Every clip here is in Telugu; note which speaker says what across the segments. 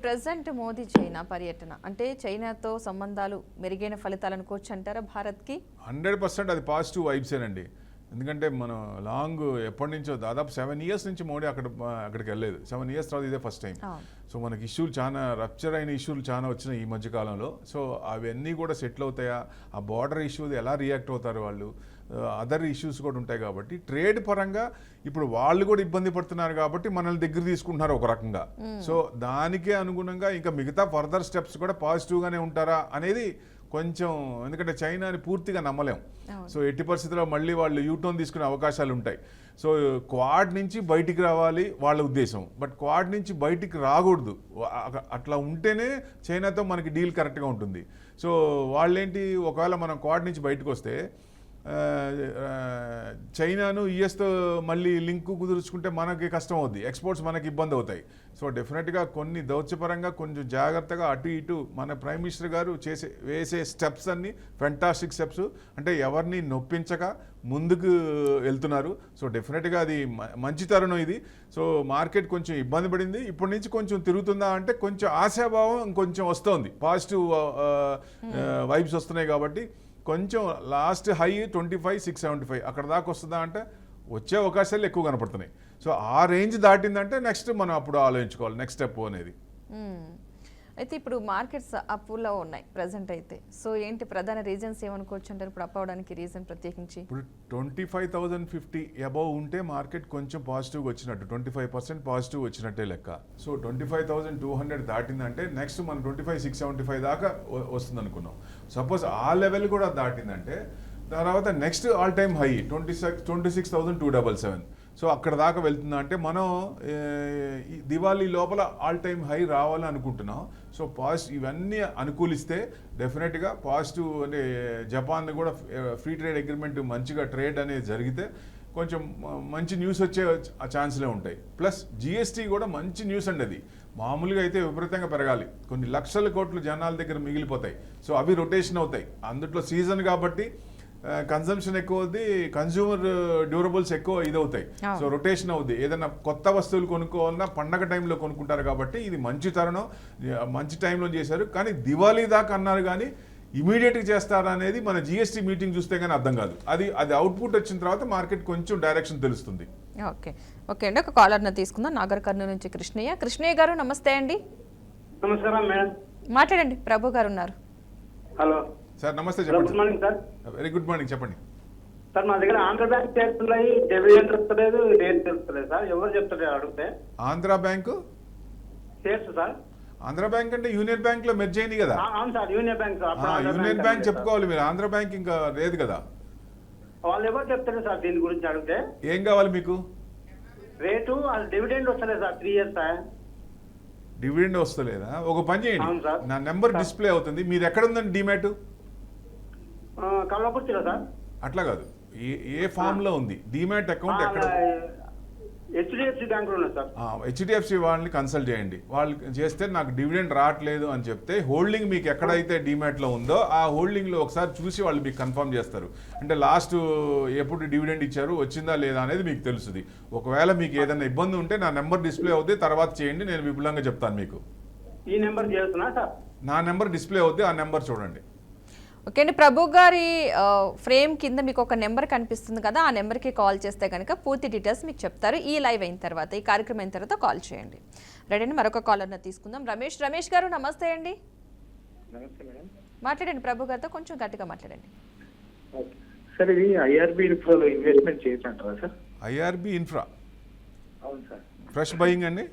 Speaker 1: ప్రెజెంట్ మోదీ చైనా పర్యటన అంటే చైనాతో సంబంధాలు మెరుగైన ఫలితాలు అనుకోవచ్చు అంటారా భారత్కి?
Speaker 2: 100% అది పాజిటివ్ వైబ్సేనండి. ఎందుకంటే మనం లాంగ్ ఎప్పటి నుంచో దాదాపు 7 years నుంచి మోడీ అక్కడికి వెళ్ళలేదు. 7 years తర్వాత ఇదే ఫస్ట్ టైం. సో మనకి ఇష్యూలు చాలా రప్చర్ అయిన ఇష్యూలు చాలా వచ్చినాయి ఈ మధ్యకాలంలో. సో అవన్నీ కూడా సెటిల్ అవుతాయా, ఆ బార్డర్ ఇష్యూది ఎలా రియాక్ట్ అవుతారు వాళ్ళు, అదర్ ఇష్యూస్ కూడా ఉంటాయి కాబట్టి ట్రేడ్ పరంగా ఇప్పుడు వాళ్ళు కూడా ఇబ్బంది పడుతున్నారు కాబట్టి మనల్ని దగ్గర తీసుకుంటున్నారు ఒక రకంగా. సో దానికే అనుగుణంగా ఇంకా మిగతా ఫర్దర్ స్టెప్స్ కూడా పాజిటివ్గానే ఉంటారా అనేది కొంచెం, ఎందుకంటే చైనాని పూర్తిగా నమ్మలేం. సో ఎట్టి పరిస్థితుల్లో మళ్ళీ వాళ్ళు యూటర్న్ తీసుకునే అవకాశాలు ఉంటాయి. సో క్వాడ్ నుంచి బయటికి రావాలి వాళ్ళ ఉద్దేశం, బట్ క్వాడ్ నుంచి బయటికి రాకూడదు. అట్లా ఉంటేనే చైనాతో మనకి డీల్ కరెక్ట్గా ఉంటుంది. సో వాళ్ళేంటి, ఒకవేళ మనం క్వాడ్ నుంచి బయటకు వస్తే చైనాను యుఎస్తో మళ్ళీ లింక్ కుదుర్చుకుంటే మనకి కష్టం అవుద్ది, ఎక్స్పోర్ట్స్ మనకి ఇబ్బంది అవుతాయి. సో డెఫినెట్గా కొన్ని దౌత్యపరంగా కొంచెం జాగ్రత్తగా అటు ఇటు మన ప్రైమ్ మినిస్టర్ గారు వేసే స్టెప్స్ అన్నీ ఫెంటాస్టిక్ స్టెప్స్, అంటే ఎవరిని నొప్పించక ముందుకు వెళ్తున్నారు. సో డెఫినెట్గా అది మంచి తరుణం ఇది. సో మార్కెట్ కొంచెం ఇబ్బంది పడింది, ఇప్పటి నుంచి కొంచెం తిరుగుతుందా అంటే కొంచెం ఆశాభావం ఇంకొంచెం వస్తుంది, పాజిటివ్ వైబ్స్ వస్తున్నాయి. కాబట్టి కొంచెం లాస్ట్ హై 25,675 అక్కడ దాకా వస్తుందా అంటే వచ్చే అవకాశాలు ఎక్కువ కనపడుతున్నాయి. సో ఆ రేంజ్ దాటిందంటే నెక్స్ట్ మనం అప్పుడు ఆలోచించుకోవాలి నెక్స్ట్ స్టెప్ అనేది.
Speaker 1: అయితే ఇప్పుడు మార్కెట్స్ అప్లో ఉన్నాయి ప్రజెంట్ అయితే. సో ఏంటి ప్రధాన రీజన్స్ ఏమనుకోవచ్చు అంటారు ఇప్పుడు అప్ అవడానికి రీజన్ ప్రత్యేకించి?
Speaker 2: ఇప్పుడు 25,050 అబౌవ్ ఉంటే మార్కెట్ కొంచెం పాజిటివ్గా వచ్చినట్టు, 25% పాజిటివ్ వచ్చినట్టే లెక్క. సో 25,200 దాటిందంటే నెక్స్ట్ మనం 25,675 దాకా వస్తుంది అనుకున్నాం. సపోజ్ ఆ లెవెల్ కూడా దాటిందంటే తర్వాత next all time high 26,277. So అక్కడ దాకా వెళ్తుందా అంటే మనం దివాళీ లోపల ఆల్ టైమ్ హై రావాలని అనుకుంటున్నాం. సో ఇవన్నీ అనుకూలిస్తే డెఫినెట్గా పాజిటివ్, అంటే జపాన్ కూడా ఫ్రీ ట్రేడ్ అగ్రిమెంట్ మంచిగా ట్రేడ్ అనేది జరిగితే కొంచెం మంచి న్యూస్ వచ్చే ఛాన్స్లే ఉంటాయి. ప్లస్ జిఎస్టీ కూడా మంచి న్యూస్ అండి. అది మామూలుగా అయితే విపరీతంగా పెరగాలి, కొన్ని లక్షల కోట్లు జనాల దగ్గర మిగిలిపోతాయి. సో అవి రొటేషన్ అవుతాయి, అందుట్లో సీజన్ కాబట్టి కన్సంప్షన్ ఎక్కువ అవుద్ది, కన్స్యూమర్ డ్యూరబుల్స్ ఎక్కువ ఇదవుతాయి. సో రొటేషన్ అవుద్ది, ఏదైనా కొత్త వస్తువులు కొనుక్కోవాలన్నా పండగ టైంలో కొనుక్కుంటారు. కాబట్టి ఇది మంచి తరుణం, మంచి టైంలో చేశారు. కానీ దివాళీ దాకా అన్నారు కానీ ఇమీడియట్గా చేస్తారా అనేది మన జిఎస్టీ మీటింగ్ చూస్తే కానీ అర్థం కాదు. అది అవుట్పుట్ వచ్చిన తర్వాత మార్కెట్ కొంచెం డైరెక్షన్ తెలుస్తుంది.
Speaker 1: ఓకే అండి, ఒక కాలర్ని తీసుకుందాం. నాగర్ కర్నూలు నుంచి కృష్ణయ్య గారు, నమస్తే అండి.
Speaker 3: నమస్కారం మేడం,
Speaker 1: మాట్లాడండి. ప్రభు గారు ఉన్నారు.
Speaker 3: హలో
Speaker 2: సార్, నమస్తే, చెప్పండి.
Speaker 3: Good morning sir.
Speaker 2: Very good morning, చెప్పండి
Speaker 3: సార్. మా దగ్గర ఆంధ్ర బ్యాంక్ చేస్తున్నాయి, డివిడెండ్ వస్తలేదు, రేట్ తెలుస్తలేదు సార్. ఎవరు చెప్తారు అడిగితే?
Speaker 2: ఆంధ్ర బ్యాంకు
Speaker 3: చేస్తు సార్.
Speaker 2: ఆంధ్ర బ్యాంక్ అంటే యూనియన్ బ్యాంక్ లో మెర్జ్ అయింది కదా?
Speaker 3: అవును sir, union bank.
Speaker 2: Union bank చెప్పుకోవాలి మీరు, ఆంధ్ర బ్యాంక్ ఇంకా లేదు కదా.
Speaker 3: వాళ్ళు ఎవరు చెప్తారు సార్ దీని గురించి అడిగితే?
Speaker 2: ఏం కావాలి మీకు?
Speaker 3: రేటు డివిడెండ్ వస్తలేదు సార్, 3 years సార్.
Speaker 2: డివిడెండ్ వస్తలేదా? ఒక పని చేయండి, నా నెంబర్ డిస్ప్లే అవుతుంది. మీరు ఎక్కడ ఉందండి డిమాట్?
Speaker 3: కల్లాకుర్తిలో సార్.
Speaker 2: అట్లా కాదు, ఏ ఫామ్ లో ఉంది డిమాట్ అకౌంట్? ఎక్కడ?
Speaker 3: హెచ్డిఎఫ్సి బ్యాంక్ లో సార్.
Speaker 2: హెచ్డిఎఫ్సి వాళ్ళని కన్సల్ట్ చేయండి. వాళ్ళు చేస్తే నాకు డివిడెండ్ రావట్లేదు అని చెప్తే హోల్డింగ్ మీకు ఎక్కడైతే డిమాట్ లో ఉందో ఆ హోల్డింగ్ లో ఒకసారి చూసి వాళ్ళు మీకు కన్ఫర్మ్ చేస్తారు. అంటే లాస్ట్ ఎప్పుడు డివిడెండ్ ఇచ్చారు, వచ్చిందా లేదా అనేది మీకు తెలుస్తుంది. ఒకవేళ మీకు ఏదైనా ఇబ్బంది ఉంటే నా నెంబర్ డిస్ప్లే అవుతుంది, తర్వాత చేయండి, నేను విపులంగా చెప్తాను మీకు.
Speaker 3: ఈ నెంబర్ చేస్తున్నా సార్?
Speaker 2: నా నెంబర్ డిస్ప్లే అవుతుంది, ఆ నెంబర్ చూడండి.
Speaker 1: ఓకే అండి, ప్రభు గారి ఫ్రేమ్ కింద మీకు ఒక నెంబర్ కనిపిస్తుంది కదా, ఆ నెంబర్కి కాల్ చేస్తే కనుక పూర్తి డీటెయిల్స్ మీకు చెప్తారు. ఈ లైవ్ అయిన తర్వాత, ఈ కార్యక్రమం అయిన తర్వాత కాల్ చేయండి. రెడీ అండి, మరొక కాలర్ని తీసుకుందాం. రమేష్ గారు, నమస్తే అండి. మాట్లాడండి ప్రభు గారితో, కొంచెం గట్టిగా మాట్లాడండి.
Speaker 4: సార్, ఇది ఐఆర్బి ఇన్ఫ్రాలో ఇన్వెస్ట్మెంట్ చేయొచ్చంటారా సార్?
Speaker 2: IRB infra?
Speaker 4: అవును సార్.
Speaker 2: ఫ్రెష్ బయింగ్ అండి?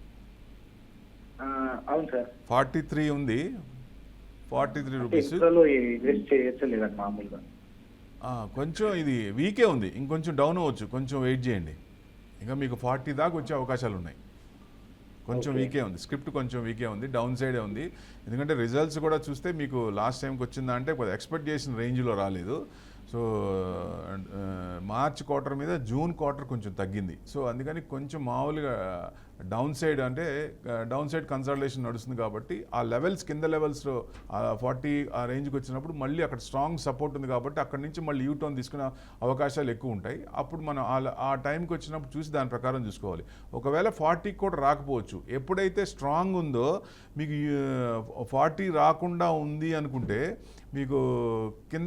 Speaker 4: అవును సార్.
Speaker 2: 43 ఉంది, 43 రూపీస్.
Speaker 4: ఇన్వెస్ట్ చేయొచ్చా లేదండి మామూలుగా?
Speaker 2: కొంచెం ఇది వీకే ఉంది, ఇంకొంచెం డౌన్ అవ్వచ్చు, కొంచెం వెయిట్ చేయండి. ఇంకా మీకు 40 దాకా వచ్చే అవకాశాలు ఉన్నాయి. కొంచెం వీకే ఉంది, స్క్రిప్ట్ కొంచెం వీకే ఉంది, డౌన్ సైడే ఉంది. ఎందుకంటే రిజల్ట్స్ కూడా చూస్తే మీకు లాస్ట్ టైంకి వచ్చిందా అంటే ఎక్స్పెక్ట్ చేసిన రేంజ్లో రాలేదు. సో మార్చ్ క్వార్టర్ మీద జూన్ క్వార్టర్ కొంచెం తగ్గింది. సో అందుకని కొంచెం మామూలుగా డౌన్ సైడ్ అంటే డౌన్ సైడ్ కన్సల్టేషన్ నడుస్తుంది కాబట్టి ఆ లెవెల్స్ కింద లెవెల్స్లో 40 ఆ రేంజ్కి వచ్చినప్పుడు మళ్ళీ అక్కడ స్ట్రాంగ్ సపోర్ట్ ఉంది కాబట్టి అక్కడ నుంచి మళ్ళీ యూటర్న్ తీసుకునే అవకాశాలు ఎక్కువ ఉంటాయి. అప్పుడు మనం ఆ టైంకి వచ్చినప్పుడు చూసి దాని ప్రకారం చూసుకోవాలి. ఒకవేళ 40 కూడా రాకపోవచ్చు. ఎప్పుడైతే స్ట్రాంగ్ ఉందో మీకు 40 రాకుండా ఉంది అనుకుంటే మీకు కింద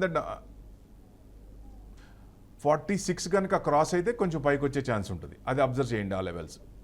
Speaker 2: 46 కనుక క్రాస్ అయితే కొంచెం పైకి వచ్చే ఛాన్స్ ఉంటుంది. అది అబ్జర్వ్ చేయండి ఆ లెవెల్స్.